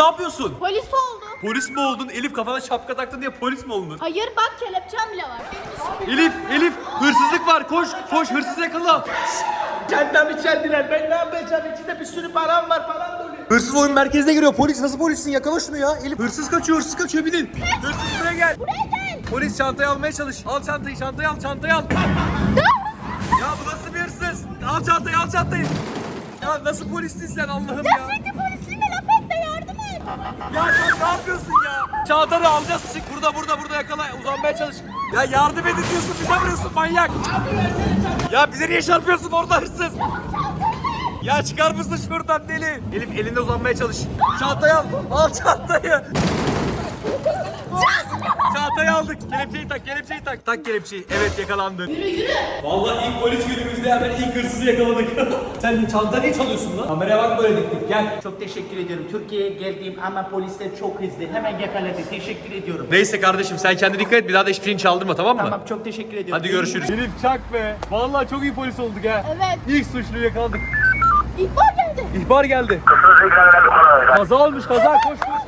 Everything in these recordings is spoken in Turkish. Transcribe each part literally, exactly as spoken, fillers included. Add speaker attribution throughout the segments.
Speaker 1: ne yapıyorsun?
Speaker 2: Polis oldum.
Speaker 1: Polis mi oldun? Elif kafana şapka taktın diye polis mi oldun?
Speaker 2: Hayır bak kelepçem bile var. Benim
Speaker 1: Elif, Elif hırsızlık var. Koş, koş hırsız yakala.
Speaker 3: Kendimi içerdiler. Ben ne yapacağım? İçinde bir sürü param var. Param dolu.
Speaker 1: Hırsız oyun merkezine giriyor. Polis nasıl polissin? Yakala şunu ya. Elif hırsız kaçıyor, hırsız kaçıyor. Binin. Hırsız buraya gel.
Speaker 2: Buraya gel.
Speaker 1: Polis çantayı almaya çalış. Al çantayı, çantayı al, çantayı al. Ya bu nasıl bir hırsız? Al çantayı, al çantayı. Ya nasıl polissin sen Allah'ım ya?
Speaker 2: Ya sürekli polisliğime laf et de yardım et.
Speaker 1: Ya sen ne yapıyorsun ya? Çantanı alacağız. Çık burada, burada, burada yakala. Uzanmaya çalış. Ya yardım edin diyorsun, bize vuruyorsun manyak. Ya bize niye çarpıyorsun orada hırsız? Ya çıkar mısın şuradan deli? Elif elinde uzanmaya çalış. Çantayı al. Al çantayı. Çantayı aldık. Kelepçeyi tak, kelepçeyi tak. Tak kelepçeyi. Evet yakalandın.
Speaker 2: Yürü yürü.
Speaker 1: Vallahi ilk polis günümüzde hemen ilk hırsızı yakaladık. Sen çantanı niye çalıyorsun lan? Kameraya bak böyle diktik. Gel.
Speaker 3: Çok teşekkür ediyorum. Türkiye'ye geldiğim ama polisler çok hızlı. Hemen yakaladı. Teşekkür ediyorum.
Speaker 1: Neyse kardeşim sen kendine dikkat et. Bir daha da hiçbir şeyini çaldırma tamam mı?
Speaker 3: Tamam çok teşekkür ediyorum.
Speaker 1: Hadi görüşürüz. Elif çak be. Vallahi çok iyi polis olduk ha.
Speaker 2: Evet.
Speaker 1: İlk suçluyu yakaladık.
Speaker 2: İhbar geldi.
Speaker 1: İhbar geldi. Kaza olmuş kaza. Koş koş koş.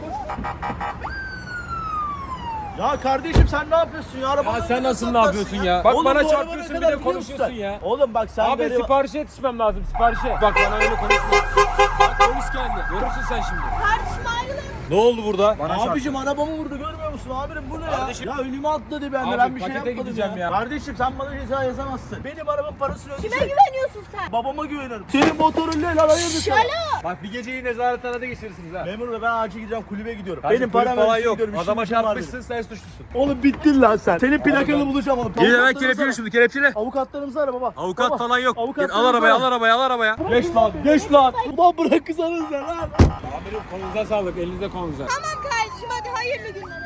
Speaker 3: Ya kardeşim sen ne yapıyorsun ya? Arabanı
Speaker 4: Ya sen
Speaker 3: neden
Speaker 4: nasıl ne
Speaker 3: saklarsın
Speaker 4: yapıyorsun ya? Bak
Speaker 3: Oğlum,
Speaker 4: bana
Speaker 3: bu araba
Speaker 4: çarpıyorsun
Speaker 3: ne
Speaker 4: bir
Speaker 3: kadar
Speaker 4: de
Speaker 3: biliyor
Speaker 4: konuşuyorsun
Speaker 3: musun?
Speaker 4: ya.
Speaker 3: Oğlum bak sen
Speaker 4: Abi
Speaker 3: gariban-
Speaker 4: siparişe yetişmem lazım siparişe. Bak bana öyle konuşma. Bak polis geldi. Görürsün sen şimdi.
Speaker 2: Kardeşim ayrılın.
Speaker 1: Ne oldu burada?
Speaker 3: Abicim arabamı vurdu görmüyor musun amirim bu ne ya?
Speaker 1: Kardeşim-
Speaker 3: Ya önüme atladı ben de
Speaker 4: Abi,
Speaker 3: ben bir şey
Speaker 4: pakete
Speaker 3: yapmadım
Speaker 4: gideceğim
Speaker 3: ya.
Speaker 4: ya.
Speaker 3: Kardeşim sen bana ceza yazamazsın. Benim arabamın parasını
Speaker 2: Kime
Speaker 3: ödeyecek.
Speaker 2: güveniyorsun sen?
Speaker 3: Babama güvenirim. Senin motorun ne lan hayırdır sen?
Speaker 2: Şala.
Speaker 1: Bak bir geceyi nezarethanede geçirirsiniz ha.
Speaker 3: Memur bey ben acil gideceğim kulübe gidiyorum.
Speaker 1: Kardeşim,
Speaker 3: Benim
Speaker 1: kulüp
Speaker 3: param
Speaker 1: falan
Speaker 3: ödesin
Speaker 1: yok.
Speaker 3: gidiyorum,
Speaker 1: Adama
Speaker 3: işim gücüm var
Speaker 1: çarpmışsın sen suçlusun.
Speaker 3: benim. Oğlum bittin lan sen. Senin plakanı bulacağım oğlum.
Speaker 1: Gel hemen
Speaker 3: Avukatlarımızı
Speaker 1: kelepçele
Speaker 3: ara.
Speaker 1: şimdi kelepçele.
Speaker 3: Avukatlarımızı ara baba.
Speaker 1: Avukat
Speaker 3: Baba,
Speaker 1: falan yok. Gel, al
Speaker 3: avukatlarımızı
Speaker 1: arabaya
Speaker 3: ara.
Speaker 1: al arabaya al arabaya.
Speaker 3: Geç lan geç lan. Ulan bırakırsanız ya lan.
Speaker 4: Amirim kolunuza sağlık elinize kolunuza.
Speaker 2: Tamam kardeşim hadi hayırlı günler.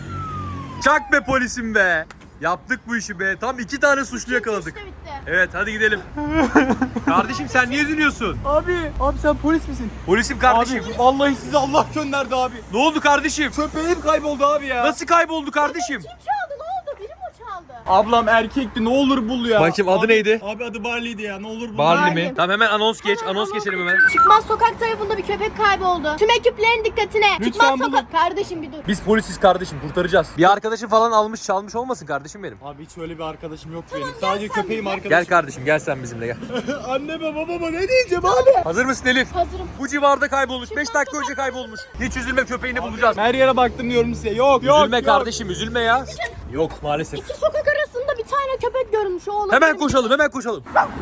Speaker 1: Çak be polisim be. Yaptık bu işi be. Tam iki tane suçlu yakaladık.
Speaker 2: İşte bitti.
Speaker 1: Evet hadi gidelim. Kardeşim sen niye üzülüyorsun?
Speaker 3: Abi abi sen polis misin?
Speaker 1: Polisim kardeşim.
Speaker 3: Abi vallahi sizi Allah gönderdi abi.
Speaker 1: Ne oldu kardeşim?
Speaker 3: Köpeğim kayboldu abi ya.
Speaker 1: Nasıl kayboldu kardeşim?
Speaker 2: Kim çaldı ne oldu? Biri mi çaldı?
Speaker 3: Ablam erkekti ne olur bul ya.
Speaker 1: Bakayım, adı
Speaker 3: Abi-
Speaker 1: neydi?
Speaker 3: Abi adı Barley'di ya ne olur bul.
Speaker 1: Barley mi?
Speaker 2: Barley.
Speaker 1: Tamam hemen anons geç.
Speaker 2: Hemen
Speaker 1: Anons
Speaker 2: anons
Speaker 1: geçelim hemen.
Speaker 2: Çıkmaz sokak tarafında bir köpek kayboldu. Tüm ekiplerin dikkatine. Çıkmaz
Speaker 3: bulun.
Speaker 2: sokak. Kardeşim bir dur.
Speaker 1: Biz polisiz kardeşim kurtaracağız. Bir arkadaşım falan almış çalmış olmasın kardeşim benim.
Speaker 3: Abi hiç öyle bir arkadaşım yok benim.
Speaker 2: gel
Speaker 3: Sadece
Speaker 2: sen
Speaker 3: köpeğim
Speaker 2: bize.
Speaker 3: arkadaşım.
Speaker 1: Gel kardeşim gel sen bizimle gel.
Speaker 3: Anneme babama ne diyeceğim abi?
Speaker 1: Hazır mısın Elif?
Speaker 2: Hazırım.
Speaker 1: Bu civarda kaybolmuş. beş dakika önce kaybolmuş. Hiç üzülme köpeğini bulacağız.
Speaker 3: Her yere baktım diyorum size. Yok yok
Speaker 1: Üzülme
Speaker 3: yok.
Speaker 1: kardeşim üzülme ya. Yok maalesef.
Speaker 2: İki sokak arasında bir tane köpek görmüş oğlum.
Speaker 1: Hemen koşalım hemen koşalım.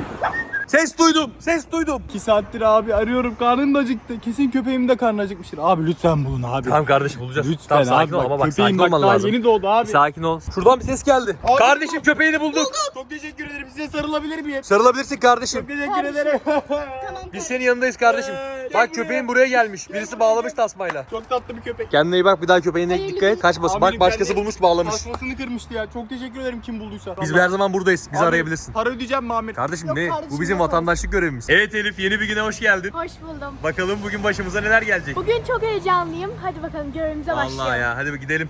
Speaker 1: Ses duydum ses duydum.
Speaker 3: İki saattir abi arıyorum karnım da acıktı. Kesin köpeğim de karnı acıkmıştır. Abi lütfen bulun abi.
Speaker 1: Tamam kardeşim bulacağız.
Speaker 3: Lütfen
Speaker 1: Tamam, sakin
Speaker 3: abi
Speaker 1: ol
Speaker 3: bak,
Speaker 1: ama bak
Speaker 3: köpeğim
Speaker 1: sakin
Speaker 3: bak
Speaker 1: olman
Speaker 3: daha
Speaker 1: lazım.
Speaker 3: yeni doğdu abi.
Speaker 1: Sakin ol. Şuradan bir ses geldi.
Speaker 3: Abi-
Speaker 1: Kardeşim köpeğini bulduk.
Speaker 3: Çok teşekkür ederim. Size sarılabilir miyim?
Speaker 1: Sarılabilirsin kardeşim.
Speaker 3: Çok teşekkür
Speaker 2: Kardeşim.
Speaker 3: ederim.
Speaker 2: Tamam.
Speaker 1: Biz senin yanındayız kardeşim. Bak köpeğin buraya gelmiş. Birisi bağlamış tasmayla.
Speaker 3: Çok tatlı bir köpek.
Speaker 1: Kendine iyi bak bir daha köpeğine
Speaker 2: Hayırlı
Speaker 1: dikkat et.
Speaker 2: gün.
Speaker 1: Kaçmasın.
Speaker 3: Amirim,
Speaker 1: Bak başkası
Speaker 3: ben de-
Speaker 1: bulmuş bağlamış.
Speaker 3: Tasmasını kırmıştı ya. Çok teşekkür ederim kim bulduysa.
Speaker 1: Biz
Speaker 3: Vallahi.
Speaker 1: her zaman buradayız. Bizi
Speaker 3: Abi,
Speaker 1: arayabilirsin.
Speaker 3: Para ödeyeceğim mi Amir?
Speaker 1: Kardeşim
Speaker 2: Yok
Speaker 1: ne?
Speaker 2: kardeşim,
Speaker 1: Bu bizim
Speaker 2: yok.
Speaker 1: vatandaşlık görevimiz. Evet Elif yeni bir güne hoş geldin.
Speaker 2: Hoş buldum.
Speaker 1: Bakalım bugün başımıza neler gelecek.
Speaker 2: Bugün çok heyecanlıyım. Hadi bakalım görevimize başlayalım.
Speaker 1: Allah ya hadi bir gidelim.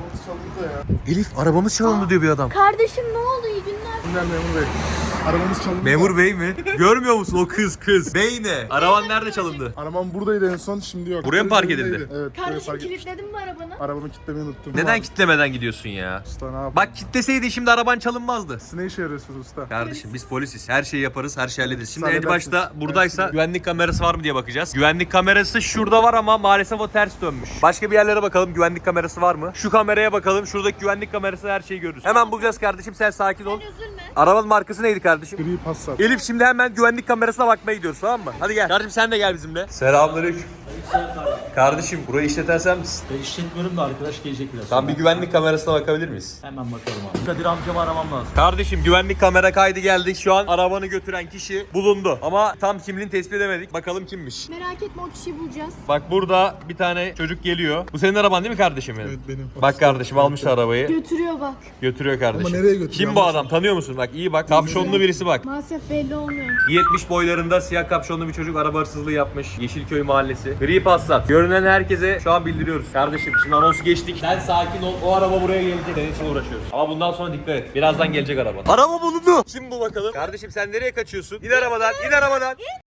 Speaker 1: Elif arabamız çalındı diyor bir adam.
Speaker 2: Kardeşim ne oldu? İyi günler.
Speaker 5: Memur Bey. Arabamız çalındı.
Speaker 1: Memur bey mi? Görmüyor musun o kız kız? Bey ne? Araban nerede çalındı?
Speaker 5: Arabam buradaydı en son şimdi yok.
Speaker 1: Buraya mı park
Speaker 5: Önündeydi.
Speaker 1: edildi?
Speaker 5: Evet. buraya
Speaker 2: Kardeşim
Speaker 5: park edildi.
Speaker 2: kilitledin mi arabanı?
Speaker 5: Arabamı kilitlemeyi unuttum.
Speaker 1: Neden
Speaker 5: Abi,
Speaker 1: kitlemeden gidiyorsun ya?
Speaker 5: Usta ne yapayım?
Speaker 1: Bak kitleseydi şimdi araban çalınmazdı.
Speaker 5: Siz ne işe yarıyorsunuz usta?
Speaker 1: Kardeşim biz polisiz. Her şeyi yaparız, her şeyi hallederiz. Şimdi en
Speaker 5: Halledersiniz.
Speaker 1: başta buradaysa
Speaker 5: Ben
Speaker 1: güvenlik kamerası var mı diye bakacağız. Güvenlik kamerası şurada var ama maalesef o ters dönmüş. Başka bir yerlere bakalım güvenlik kamerası var mı? Şu kameraya bakalım. Şuradaki güvenlik kamerası her şeyi görürüz. Hemen bulacağız kardeşim sen sakin ol.
Speaker 2: Sen üzülme.
Speaker 1: Arabanın markası neydi kardeşim?
Speaker 5: Gri Passat.
Speaker 1: Elif şimdi hemen güvenlik kamerasına bakmaya gidiyoruz tamam mı? Hadi gel. Kardeşim sen de gel bizimle. Selamünaleyküm. Kardeşim burayı işleten sen misin?
Speaker 3: Ben işletmiyorum da arkadaş gelecek biraz.
Speaker 1: Tam bir güvenlik kamerasına bakabilir miyiz?
Speaker 3: Hemen bakalım abi. Kadir amcamı aramam lazım.
Speaker 1: Kardeşim güvenlik kamera kaydı geldik. Şu an arabanı götüren kişi bulundu. Ama tam kimliğini tespit edemedik. Bakalım kimmiş.
Speaker 2: Merak etme o kişiyi bulacağız.
Speaker 1: Bak burada bir tane çocuk geliyor. Bu senin araban değil mi kardeşim benim?
Speaker 5: Evet benim.
Speaker 1: Bak kardeşim almış arabayı.
Speaker 2: Götürüyor bak.
Speaker 1: Götürüyor kardeşim.
Speaker 5: Ama nereye götürüyor?
Speaker 1: Kim bu adam? Tanıyor musun? Bak iyi bak. Kapşonlu birisi bak.
Speaker 2: Maalesef belli olmuyor.
Speaker 1: yetmiş boylarında siyah kapşonlu bir çocuk araba hırsızlığı yapmış. Yeşilköy mahallesi. Gri Passat. Görünen herkese şu an bildiriyoruz. Kardeşim şimdi anonsu geçtik. Sen sakin ol. O araba buraya gelecek. Senin için uğraşıyoruz. Ama bundan sonra dikkat et. Birazdan gelecek araba. Araba bulundu. Kim bu bakalım? Kardeşim sen nereye kaçıyorsun? İn arabadan. İn arabadan.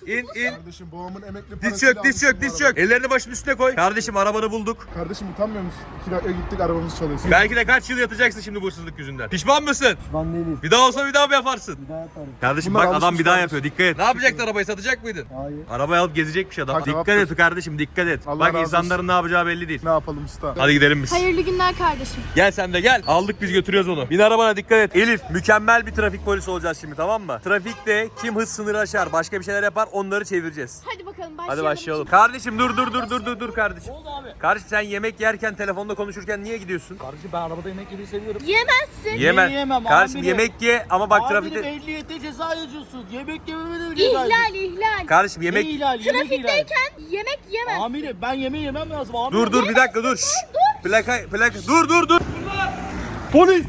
Speaker 1: İn in.
Speaker 5: Kardeşim babamın emekli
Speaker 1: Diz
Speaker 5: parasıyla
Speaker 1: çök diz çök
Speaker 5: almıştım
Speaker 1: diz
Speaker 5: bu arabayı.
Speaker 1: çök. Ellerini başımın üstüne koy. Kardeşim arabanı bulduk.
Speaker 5: Kardeşim utanmıyor musun? İki dakika gittik arabamız çalıyorsun.
Speaker 1: Belki de kaç yıl yatacaksın şimdi bu hırsızlık yüzünden. Pişman mısın?
Speaker 6: Pişman değiliz.
Speaker 1: Bir daha olsa bir daha mı yaparsın?
Speaker 6: Bir daha yaparım.
Speaker 1: Kardeşim
Speaker 5: Bunlar
Speaker 1: bak adam
Speaker 5: alışmış
Speaker 1: bir daha
Speaker 5: kardeşim.
Speaker 1: yapıyor. Dikkat et. Ne yapacaktı arabayı? Satacak mıydın?
Speaker 6: Hayır.
Speaker 1: Arabayı alıp gezecekmiş adam.
Speaker 5: Tak,
Speaker 1: Dikkat
Speaker 5: cevap
Speaker 1: et kardeşim dikkat et.
Speaker 5: Allah
Speaker 1: Bak
Speaker 5: razı olsun.
Speaker 1: insanların ne yapacağı belli değil.
Speaker 5: Ne yapalım usta?
Speaker 1: Hadi gidelim biz.
Speaker 2: Hayırlı günler kardeşim.
Speaker 1: Gel sen de gel. Aldık biz götürüyoruz onu. Bin arabana dikkat et. Elif mükemmel bir trafik polisi olacağız şimdi tamam mı? Trafikte kim hız sınırı aşar başka bir şeyler yapar onları çevireceğiz.
Speaker 2: Hadi bakalım başlayalım.
Speaker 1: Hadi başlayalım. Kardeşim dur dur dur dur dur dur kardeşim.
Speaker 4: Ne oldu abi?
Speaker 1: Kardeşim sen yemek yerken telefonda konuşurken niye gidiyorsun?
Speaker 4: Kardeşim ben arabada yemek yemeyi seviyorum.
Speaker 2: Yemezsin.
Speaker 1: Yeme.
Speaker 3: yiyemem
Speaker 1: Kardeşim
Speaker 3: amirim?
Speaker 1: yemek ye ama bak
Speaker 3: Amirim
Speaker 1: trafikte.
Speaker 3: ehliyete ceza yazıyorsun. Yemek yememe de ceza yazıyorsun.
Speaker 2: İhlal ihlal.
Speaker 1: Kardeşim
Speaker 3: Ne
Speaker 1: yemek.
Speaker 3: ihlal, yemek ihlal.
Speaker 2: Trafikteyken yemek yemez.
Speaker 3: Amirim ben yemeği yemem lazım amirim.
Speaker 1: Dur dur bir dakika dur. Şşş. Plaka plaka dur dur dur. Polis.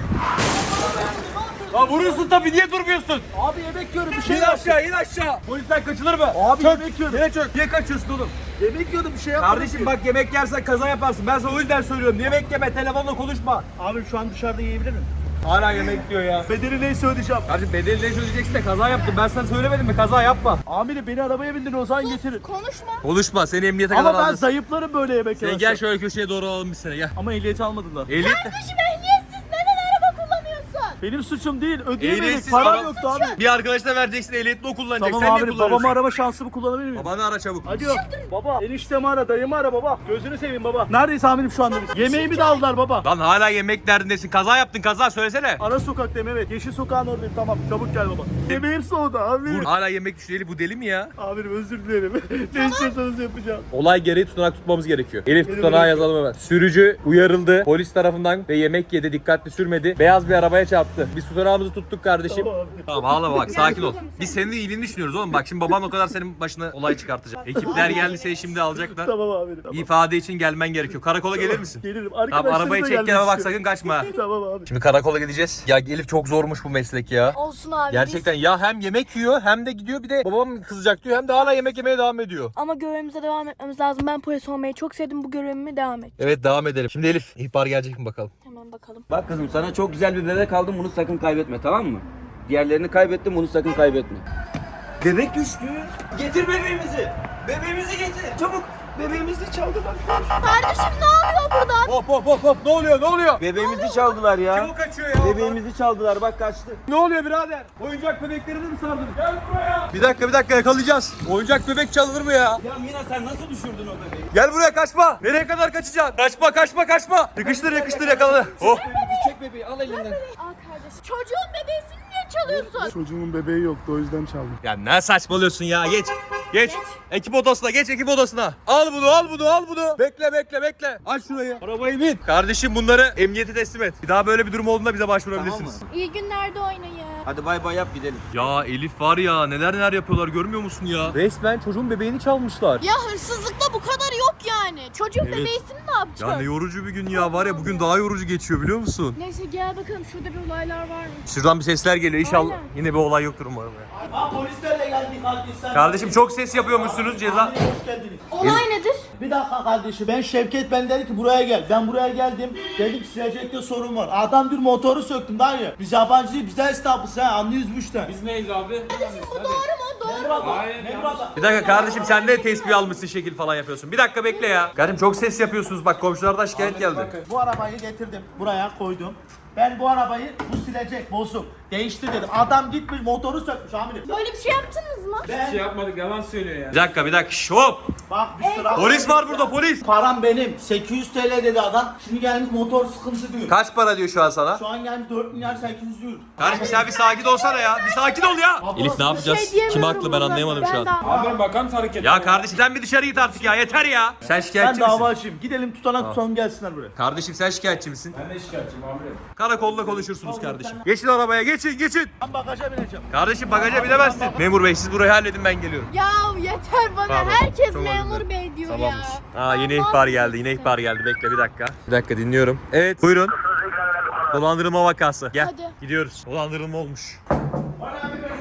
Speaker 1: Lan vuruyorsun tabii niye durmuyorsun?
Speaker 3: Abi yemek yiyorum bir şey
Speaker 1: İn
Speaker 3: yap.
Speaker 1: aşağı in aşağı. Polisten kaçılır mı?
Speaker 3: Abi
Speaker 1: Çök.
Speaker 3: yemek yiyorum.
Speaker 1: Yine çök. Niye kaçıyorsun oğlum?
Speaker 3: Yemek yiyordum bir şey yapmadım.
Speaker 1: Kardeşim bak yemek yersen kaza yaparsın. Ben sana o yüzden söylüyorum. Yemek yeme, telefonla konuşma.
Speaker 3: Abi şu an dışarıda yiyebilir miyim?
Speaker 1: Hala yemek diyor ya.
Speaker 3: Bedeli neyse ödeyeceğim.
Speaker 1: Kardeşim bedeli ne söyleyeceksin de kaza yaptım. Ben sana söylemedim mi? Kaza yapma.
Speaker 3: Amirim beni arabaya bindirin o zaman getirin.
Speaker 2: Konuşma.
Speaker 1: Konuşma. Seni emniyete kadar
Speaker 3: Ama ben
Speaker 1: alacağız.
Speaker 3: zayıflarım böyle yemek
Speaker 1: Sen
Speaker 3: yemezsem.
Speaker 1: gel şöyle köşeye doğru alalım biz seni gel.
Speaker 3: Ama ehliyeti almadılar.
Speaker 1: Ehliyet
Speaker 2: Kardeşim ehliyetsiz neden araba kullanıyorsun?
Speaker 3: Benim suçum değil ödeyemedik.
Speaker 1: Ehliyetsiz
Speaker 3: Param
Speaker 1: araba-
Speaker 3: yoktu abi.
Speaker 1: Bir arkadaşına vereceksin ehliyetli o kullanacak.
Speaker 3: Tamam
Speaker 1: Sen niye
Speaker 3: amirim
Speaker 1: kullanıyorsun?
Speaker 3: babamı arama şansımı kullanabilir miyim?
Speaker 1: Babanı ara çabuk.
Speaker 3: Alo baba eniştemi ara dayımı ara baba. Gözünü seveyim baba. Neredeyiz amirim şu anda biz? Yemeğimi de aldılar baba.
Speaker 1: Lan hala yemek derdindesin. Kaza yaptın kaza söylesene.
Speaker 3: Ara sokaktayım evet. Yeşil sokağın oradayım tamam. Çabuk gel baba. Yemeğim soğudu abi.
Speaker 1: Vur. Hala yemek düşüreli bu deli mi ya?
Speaker 3: Amirim özür dilerim. Ne istiyorsanız yapacağım.
Speaker 1: Olay gereği tutanak tutmamız gerekiyor. Elif
Speaker 3: Benim
Speaker 1: tutanağı
Speaker 3: öyle-
Speaker 1: yazalım hemen. Sürücü uyarıldı polis tarafından ve yemek yedi dikkatli sürmedi. Beyaz bir arabaya çarptı. Biz tutanağımızı tuttuk kardeşim.
Speaker 3: Tamam abi.
Speaker 1: Tamam ağlama bak sakin ol. Biz senin de iyiliğini düşünüyoruz oğlum. Bak şimdi baban o kadar senin başına olay çıkartacak. Ekipler geldi seni şimdi alacaklar.
Speaker 3: Tamam amirim. Tamam.
Speaker 1: İfade için gelmen gerekiyor. Karakola gelir misin?
Speaker 3: Gelirim.
Speaker 1: Tamam
Speaker 3: Arkadaşlarım
Speaker 1: arabayı
Speaker 3: da
Speaker 1: çek
Speaker 3: gelmek
Speaker 1: kenara bak
Speaker 3: istiyor.
Speaker 1: sakın kaçma.
Speaker 3: Tamam abi.
Speaker 1: Şimdi karakola gideceğiz. Ya Elif çok zormuş bu meslek ya.
Speaker 2: Olsun abi.
Speaker 1: Gerçekten ya hem yemek yiyor hem de gidiyor bir de babam kızacak diyor hem de hala yemek yemeye devam ediyor.
Speaker 2: Ama görevimize devam etmemiz lazım. Ben polis olmayı çok sevdim. Bu görevime devam et.
Speaker 1: Evet devam edelim. Şimdi Elif ihbar gelecek mi bakalım?
Speaker 2: Hemen bakalım.
Speaker 7: Bak kızım sana çok güzel bir bebek aldım bunu sakın kaybetme tamam mı? Diğerlerini kaybettim bunu sakın kaybetme. Bebek düştü. Getir bebeğimizi. Bebeğimizi getir. Çabuk. Bebeğimizi çaldılar.
Speaker 2: Kardeşim ne oluyor burada?
Speaker 1: Hop hop hop hop ne oluyor ne oluyor?
Speaker 7: Bebeğimizi çaldılar ya.
Speaker 1: Kim o kaçıyor ya?
Speaker 7: Bebeğimizi çaldılar bak kaçtı.
Speaker 1: Ne oluyor birader? Oyuncak bebeklerini mi sardınız? Gel buraya. Bir dakika bir dakika yakalayacağız. Oyuncak bebek çalınır mı ya?
Speaker 7: Ya Mina sen nasıl düşürdün o bebeği?
Speaker 1: Gel buraya kaçma. Nereye kadar kaçacaksın? Kaçma kaçma kaçma. Yakıştır yakıştır yakaladı. Oh.
Speaker 7: Bebeğimizi çek bebeği al elinden.
Speaker 2: Aa kardeşim. Çocuğun bebeğisini niye çalıyorsun?
Speaker 5: Çocuğumun bebeği yoktu o yüzden çaldım.
Speaker 1: Ya ne saçmalıyorsun ya geç. Geç. Ekip odasına geç ekip odasına. Al bunu al bunu al bunu. Bekle bekle bekle. Aç şurayı. Arabayı bin. Kardeşim bunları emniyete teslim et. Bir daha böyle bir durum olduğunda bize başvurabilirsiniz.
Speaker 7: Tamam
Speaker 2: İyi günlerde oynayın.
Speaker 7: Hadi bay bay yap gidelim.
Speaker 1: Ya Elif var ya neler neler yapıyorlar görmüyor musun ya? Resmen çocuğun bebeğini çalmışlar.
Speaker 2: Ya hırsızlıkta bu kadar yok yani. Çocuğun
Speaker 1: Evet.
Speaker 2: bebeğisini ne yapacaksın?
Speaker 1: Ya ne yorucu bir gün ya var ya bugün daha yorucu geçiyor biliyor musun?
Speaker 2: Neyse gel bakalım şurada bir olaylar var mı?
Speaker 1: Şuradan bir sesler geliyor inşallah.
Speaker 2: Aynen.
Speaker 1: Yine bir olay yoktur umarım ya.
Speaker 3: Ha polislerle geldik kardeşler.
Speaker 1: Kardeşim çok ses yapıyormuşsunuz ceza.
Speaker 3: Amirim hoş geldiniz.
Speaker 2: Olay nedir?
Speaker 3: Bir dakika kardeşim ben Şevket ben dedi ki buraya gel. Ben buraya geldim. Dedim silecekte sorun var. Adam bir motoru söktüm daha ya. Biz yabancı değil biz de esnafız ha anlıyoruz bu işten.
Speaker 4: Biz neyiz abi?
Speaker 2: Bu doğru mu? Doğru.
Speaker 3: Memur abla,
Speaker 4: Hayır,
Speaker 3: memur abla.
Speaker 1: Bir dakika kardeşim sen de tespih almışsın şekil falan yapıyorsun. Bir dakika bekle ya. Kardeşim çok ses yapıyorsunuz bak komşulardan şikayet geldi.
Speaker 3: Bu arabayı getirdim buraya koydum. Ben bu arabayı bu silecek bozuk. Değiştir dedim. Adam gitmiş motoru sökmüş amirim.
Speaker 2: Böyle bir şey yaptınız mı?
Speaker 3: Ben
Speaker 4: Şey yapmadık yalan söylüyor ya.
Speaker 1: Bir dakika bir dakika şş, hop.
Speaker 3: bak bir sıra.
Speaker 1: Polis var burada polis.
Speaker 3: Param benim. sekiz yüz T L dedi adam. Şimdi gelmiş motor sıkıntı diyor.
Speaker 1: Kaç para diyor şu an sana?
Speaker 3: Şu an gelmiş dört milyar sekiz yüz diyor.
Speaker 1: Kardeşim sen bir sakin olsana ya. Bir sakin ol ya.
Speaker 3: Abla,
Speaker 1: Elif ne yapacağız?
Speaker 2: Şey diyemiyorum
Speaker 1: Kim haklı ben
Speaker 2: buna.
Speaker 1: anlayamadım şu
Speaker 2: Ben
Speaker 1: an.
Speaker 2: daha-
Speaker 4: Amirim bakar mısın hareket?
Speaker 1: Ya kardeşim sen bir dışarı git artık ya yeter ya. Sen
Speaker 3: Ben
Speaker 1: şikayetçi misin?
Speaker 3: dava açayım. Gidelim tutanak tutalım gelsinler buraya.
Speaker 1: Kardeşim sen şikayetçi misin?
Speaker 4: Ben de şikayetçiyim amirim.
Speaker 1: Karakolda konuşursunuz kardeşim. Geçin arabaya geçin geçin.
Speaker 3: Ben bagaja bineceğim.
Speaker 1: Kardeşim bagaja binemezsin. Memur bey siz burayı halledin ben geliyorum.
Speaker 2: Ya yeter bana.
Speaker 1: Pardon,
Speaker 2: Herkes
Speaker 1: çok özür
Speaker 2: memur
Speaker 1: dilerim.
Speaker 2: bey diyor
Speaker 1: Tamamdır.
Speaker 2: ya.
Speaker 1: Aa yine
Speaker 2: Allah
Speaker 1: ihbar geldi. Yine
Speaker 2: kahretsin.
Speaker 1: ihbar geldi. Bekle bir dakika. Bir dakika dinliyorum. Evet buyurun. Dolandırılma vakası. Gel.
Speaker 2: Hadi.
Speaker 1: Gidiyoruz. Dolandırılma olmuş.
Speaker 3: Bana bir vaziyeti.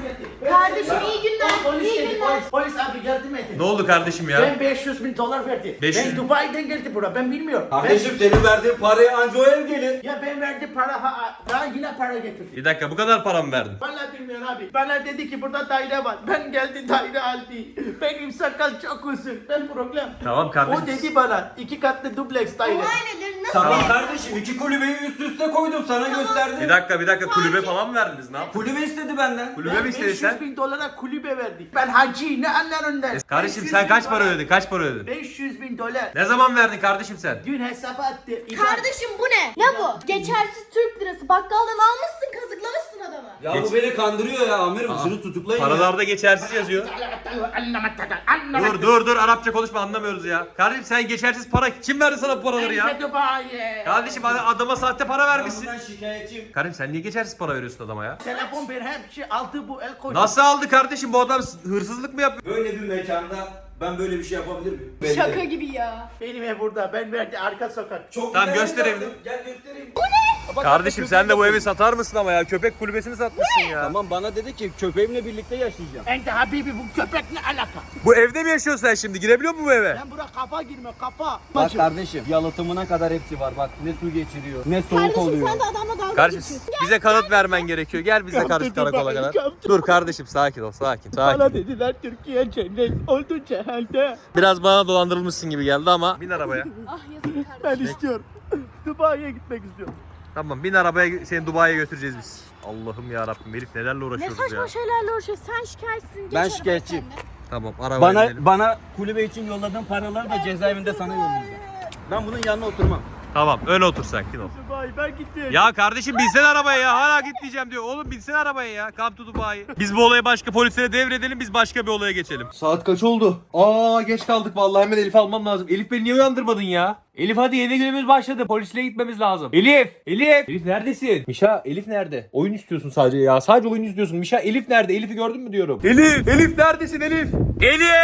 Speaker 2: Kardeşim iyi günler.
Speaker 3: Polis
Speaker 2: iyi
Speaker 3: geldi,
Speaker 2: günler.
Speaker 3: polis, polis abi yardım edin.
Speaker 1: Ne oldu kardeşim ya?
Speaker 3: Ben beş yüz bin dolar verdi.
Speaker 1: beş yüz
Speaker 3: Ben Dubai'den geldi buraya, ben bilmiyorum.
Speaker 7: Kardeşim senin verdiğin parayı anca o ev gelir.
Speaker 3: Ben, ya ben verdi para, ha, daha yine para getirdi.
Speaker 1: Bir dakika bu kadar para mı verdin?
Speaker 3: Vallahi bilmiyorum abi. Bana dedi ki burada daire var. Ben geldi daire aldı. Benim sakal çok uzun. Ben problem.
Speaker 1: Tamam kardeşim.
Speaker 3: O dedi bana iki katlı dubleks daire.
Speaker 2: Olay nedir? Nasıl
Speaker 7: Tamam
Speaker 2: bir-
Speaker 7: kardeşim iki kulübeyi üst üste koydum sana gösterdim.
Speaker 1: Bir dakika bir dakika kulübe falan mı verdiniz ne yaptın?
Speaker 7: Kulübe istedi benden.
Speaker 1: Kulübe
Speaker 3: Ben
Speaker 1: mi istedin
Speaker 3: beş yüz
Speaker 1: sen?
Speaker 3: bin dolara kulübe verdik. Ben hacı ne anlar ondan?
Speaker 1: Kardeşim
Speaker 3: beş yüz
Speaker 1: sen
Speaker 3: bin
Speaker 1: kaç para
Speaker 3: dolar.
Speaker 1: ödedin? Kaç para ödedin?
Speaker 3: beş yüz bin dolar.
Speaker 1: Ne zaman verdin kardeşim sen?
Speaker 3: Dün hesaba attı. İban-
Speaker 2: Kardeşim bu ne? Ne bu? Geçersiz Türk lirası. Bakkaldan almışsın, kazıklamışsın adamı.
Speaker 7: Ya bu beni kandırıyor ya amirim şunu tutuklayın ya.
Speaker 1: Paralarda geçersiz yazıyor. Dur dur dur Arapça konuşma anlamıyoruz ya. Kardeşim sen geçersiz para kim verdi sana bu paraları ya? Kardeşim ad- adama sahte para vermişsin.
Speaker 7: Ben şikayetçiyim.
Speaker 1: Kardeşim sen niye geçersiz para veriyorsun adama ya?
Speaker 3: Telefon bir her şey aldı bu el koydu.
Speaker 1: Nasıl aldı kardeşim bu adam hırsızlık mı yapıyor?
Speaker 7: Böyle bir mekanda ben böyle bir şey yapabilir miyim?
Speaker 2: Şaka gibi ya.
Speaker 3: Benim ev burada. Ben verdi arka sokak.
Speaker 7: Çok
Speaker 1: Tamam,
Speaker 7: güzel
Speaker 1: göster
Speaker 7: bir
Speaker 1: evini.
Speaker 7: yaptım. Gel göstereyim.
Speaker 1: Kardeşim sen de bu evi satar mısın ama ya? Köpek kulübesini satmışsın ya.
Speaker 7: Tamam bana dedi ki köpeğimle birlikte yaşayacağım.
Speaker 3: Ente Habibi bu köpek ne alaka?
Speaker 1: Bu evde mi yaşıyorsun sen şimdi? Girebiliyor musun bu eve?
Speaker 3: Ben bura kafa girme kafa.
Speaker 7: Bak kardeşim yalıtımına kadar hepsi var bak ne su geçiriyor ne soğuk
Speaker 2: Kardeşim
Speaker 7: oluyor.
Speaker 2: sen de adamla dalga
Speaker 1: Kardeşim
Speaker 2: geçiyorsun.
Speaker 1: bize kanıt vermen gerekiyor. Gel bizle karşı karakola kadar. Dur kardeşim sakin ol sakin.
Speaker 3: Bana
Speaker 1: Sakin.
Speaker 3: dediler Türkiye cennet oldu cehennete.
Speaker 1: Biraz bana dolandırılmışsın gibi geldi ama bin arabaya.
Speaker 2: Ah yazık
Speaker 3: Ben
Speaker 2: kardeşim.
Speaker 3: istiyorum. Dubai'ye gitmek istiyorum.
Speaker 1: Tamam bin arabaya seni Dubai'ye götüreceğiz biz. Allah'ım ya Rabbim herif nelerle
Speaker 2: Ne
Speaker 1: uğraşıyoruz
Speaker 2: saçma
Speaker 1: ya.
Speaker 2: şeylerle uğraşıyorsun. Sen şikayetçisin. Geç
Speaker 7: Ben
Speaker 2: arabaya
Speaker 7: şikayetçiyim.
Speaker 2: sen de.
Speaker 1: Tamam arabaya
Speaker 7: Bana
Speaker 1: gidelim.
Speaker 7: bana kulübe için yolladığın paraları da cezaevinde sana yollayacağım. Ben bunun yanına oturmam.
Speaker 1: Tamam öne otur sakin ol.
Speaker 3: Dubai ben gitmeyeceğim.
Speaker 1: Ya kardeşim binsene arabaya ya hala gitmeyeceğim diyor. Oğlum binsene arabaya ya. Come to Dubai. Biz bu olayı başka polislere devredelim biz başka bir olaya geçelim. Saat kaç oldu? Aa geç kaldık vallahi hemen Elif'i almam lazım. Elif beni niye uyandırmadın ya? Elif hadi yeni günümüz başladı. Polisle gitmemiz lazım. Elif! Elif! Elif neredesin? Mişa Elif nerede? Oyun istiyorsun sadece ya. Sadece oyun istiyorsun. Mişa Elif nerede? Elif'i gördün mü diyorum. Elif! Elif neredesin Elif? Elif!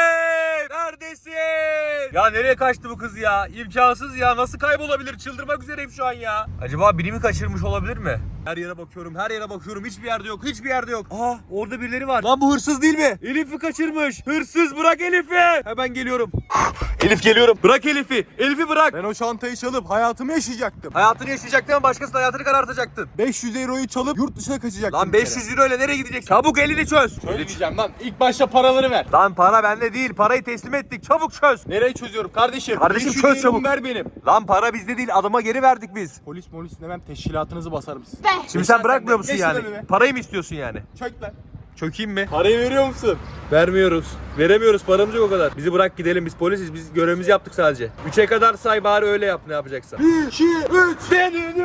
Speaker 1: Neredesin? Ya nereye kaçtı bu kız ya? İmkansız ya. Nasıl kaybolabilir? Çıldırmak üzereyim şu an ya. Acaba biri mi kaçırmış olabilir mi? Her yere bakıyorum, her yere bakıyorum. Hiçbir yerde yok, hiçbir yerde yok. Aa, orada birileri var. Lan bu hırsız değil mi? Elif'i kaçırmış. Hırsız bırak Elif'i. Hemen geliyorum. Elif geliyorum. Bırak Elif'i. Elif'i bırak.
Speaker 5: Ben o çantayı çalıp hayatımı yaşayacaktım.
Speaker 1: Hayatını yaşayacaktın ama başkasının hayatını karartacaktın.
Speaker 5: beş yüz euroyu çalıp yurt dışına kaçacaktım.
Speaker 1: Lan beş yüz euro ile nereye gideceksin? Çabuk elini çöz.
Speaker 5: Söyleyeceğim lan. İlk başta paraları ver.
Speaker 1: Lan para bende değil. Parayı teslim ettik. Çabuk çöz.
Speaker 5: Nereye çözüyorum kardeşim?
Speaker 1: Kardeşim
Speaker 5: beş yüz
Speaker 1: çöz
Speaker 5: euromu
Speaker 1: çabuk.
Speaker 5: ver benim.
Speaker 1: Lan para bizde değil. Adama geri verdik biz.
Speaker 5: Polis polis demem teşkilatınızı basarım size.
Speaker 2: Be.
Speaker 1: Şimdi sen
Speaker 5: sen
Speaker 1: bırakmıyor
Speaker 5: de.
Speaker 1: musun
Speaker 5: Geç
Speaker 1: yani?
Speaker 5: lan önüme.
Speaker 1: Parayı mı istiyorsun yani?
Speaker 5: Çök lan.
Speaker 1: Çökeyim mi?
Speaker 5: Parayı veriyor musun?
Speaker 1: Vermiyoruz. Veremiyoruz. Paramız yok o kadar. Bizi bırak gidelim. Biz polisiz. Biz görevimizi yaptık sadece. Üçe kadar say bari öyle yap ne yapacaksan.
Speaker 5: bir, iki, üç.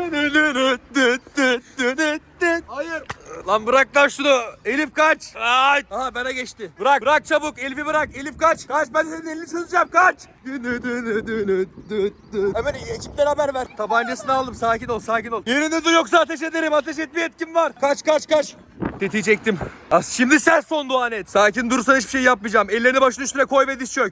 Speaker 5: Hayır.
Speaker 1: Lan bırak lan şunu. Elif kaç. Kaç. Aha bana geçti. Bırak. Bırak çabuk. Elif'i bırak. Elif kaç. Kaç. Ben senin elini çözeceğim. Kaç. Hemen ekiplere haber ver. Tabancasını aldım. Sakin ol. Sakin ol. Yerinde dur yoksa ateş ederim. Ateş etme yetkim var. Kaç kaç kaç. Tetiği çektim. Az şimdi sen son duan et. Sakin durursan hiçbir şey yapmayacağım. Ellerini başının üstüne koy ve diz çök.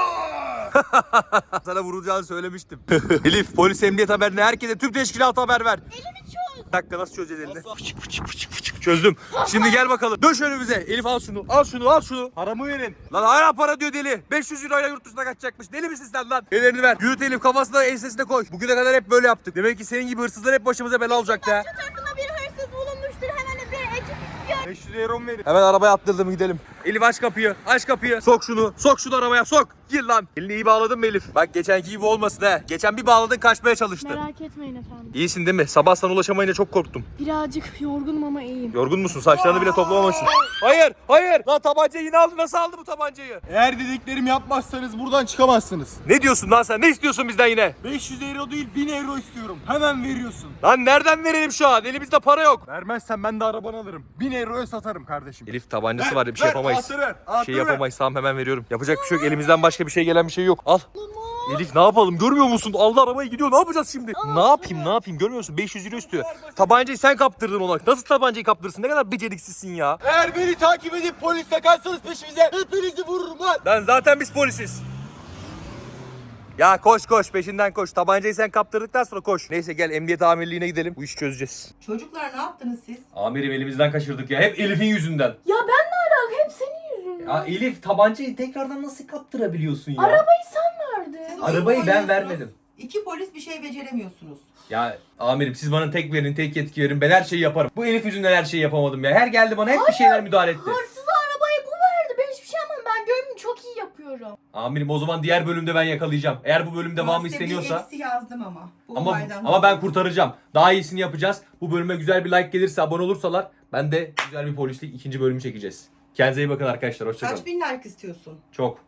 Speaker 1: Sana vurulacağını söylemiştim. Elif polis emniyet haberine herkese tüm teşkilata haber ver.
Speaker 2: Elimi çöz.
Speaker 1: Bir dakika nasıl çözeceğiz elini? Fıçık, fıçık, fıçık, fıçık. Çözdüm. Şimdi gel bakalım. Döş önümüze. Elif al şunu. Al şunu al şunu.
Speaker 5: Paramı verin.
Speaker 1: Lan hala para diyor deli. beş yüz euroyla yurt dışına kaçacakmış. Deli misin sen lan? Ellerini ver. Yürüt Elif kafasına ensesine koy. Bugüne kadar hep böyle yaptık. Demek ki senin gibi hırsızlar hep başımıza bela olacaktı ha.
Speaker 2: Şu tarafında bir hırsız bulunmuştur. Hemen bir ekip istiyor.
Speaker 5: beş yüz euromu verin.
Speaker 1: Hemen arabaya attırdım gidelim. Elif aç kapıyı. Aç kapıyı. Sok şunu. Sok şunu arabaya sok. Gir lan. Elini iyi bağladın mı Elif? Bak geçenki gibi olmasın he. Geçen bir bağladın kaçmaya çalıştın.
Speaker 2: Merak etmeyin efendim.
Speaker 1: İyisin değil mi? Sabah sana ulaşamayınca çok korktum.
Speaker 2: Birazcık yorgunum ama iyiyim.
Speaker 1: Yorgun musun? Saçlarını bile toplamamışsın. Hayır, hayır. Lan tabancayı yine aldı. Nasıl aldı bu tabancayı?
Speaker 5: Eğer dediklerimi yapmazsanız buradan çıkamazsınız.
Speaker 1: Ne diyorsun lan sen? Ne istiyorsun bizden yine?
Speaker 5: beş yüz euro değil bin euro istiyorum. Hemen veriyorsun.
Speaker 1: Lan nereden verelim şu an? Elimizde para yok.
Speaker 5: Vermezsen ben de arabanı alırım. bin euroya satarım kardeşim.
Speaker 1: Elif tabancası var. Bir şey
Speaker 5: ver,
Speaker 1: yapamayız.
Speaker 5: anahtarı ver,
Speaker 1: Bir
Speaker 5: anahtarı
Speaker 1: şey
Speaker 5: ver.
Speaker 1: yapamayız. Tamam hemen veriyorum. Yapacak bir şey yok. Elimizden başka bir şey gelen bir şey yok. Al. Elif ne yapalım? Görmüyor musun? Aldı arabayı gidiyor. Ne yapacağız şimdi? Ne yapayım? Ne yapayım? Görmüyor musun? beş yüz euro istiyor. Tabancayı sen kaptırdın ona. Nasıl tabancayı kaptırırsın? Ne kadar beceriksizsin ya.
Speaker 5: Eğer beni takip edip polis takarsanız peşimize hepinizi vururum lan.
Speaker 1: Lan zaten biz polisiz. Ya koş koş peşinden koş. Tabancayı sen kaptırdıktan sonra koş. Neyse gel emniyet amirliğine gidelim. Bu işi çözeceğiz.
Speaker 6: Çocuklar ne yaptınız siz?
Speaker 4: Amirim elimizden kaçırdık ya. Hep Elif'in yüzünden.
Speaker 2: Ya ben ne alaka? Hep senin yüzünden.
Speaker 4: Ya Elif tabancayı tekrardan nasıl kaptırabiliyorsun ya?
Speaker 2: Arabayı sen verdin.
Speaker 6: Siz
Speaker 4: Arabayı
Speaker 6: oyun
Speaker 4: ben
Speaker 6: oynuyorsunuz.
Speaker 4: vermedim.
Speaker 6: İki polis bir şey beceremiyorsunuz.
Speaker 4: Ya amirim siz bana tek verin, tek yetki verin. Ben her şeyi yaparım. Bu Elif yüzünden her şeyi yapamadım ya. Her geldi bana hep bir şeyler müdahale etti.
Speaker 2: Hırsız arabayı bu verdi. Ben hiçbir şey yapmadım. Ben görevimi çok iyi yapıyorum.
Speaker 4: Amirim o zaman diğer bölümde ben yakalayacağım. Eğer bu bölüm devamı
Speaker 6: Ben size
Speaker 4: isteniyorsa.
Speaker 6: bir eksi yazdım ama. Bu
Speaker 4: Ama
Speaker 6: olaydan
Speaker 4: ama ben
Speaker 6: dolayı.
Speaker 4: kurtaracağım. Daha iyisini yapacağız. Bu bölüme güzel bir like gelirse, abone olursalar ben de güzel bir polislik ikinci bölümü çekeceğiz. Kendinize iyi bakın arkadaşlar. Hoşçakalın.
Speaker 6: Kaç bin like istiyorsun?
Speaker 4: Çok.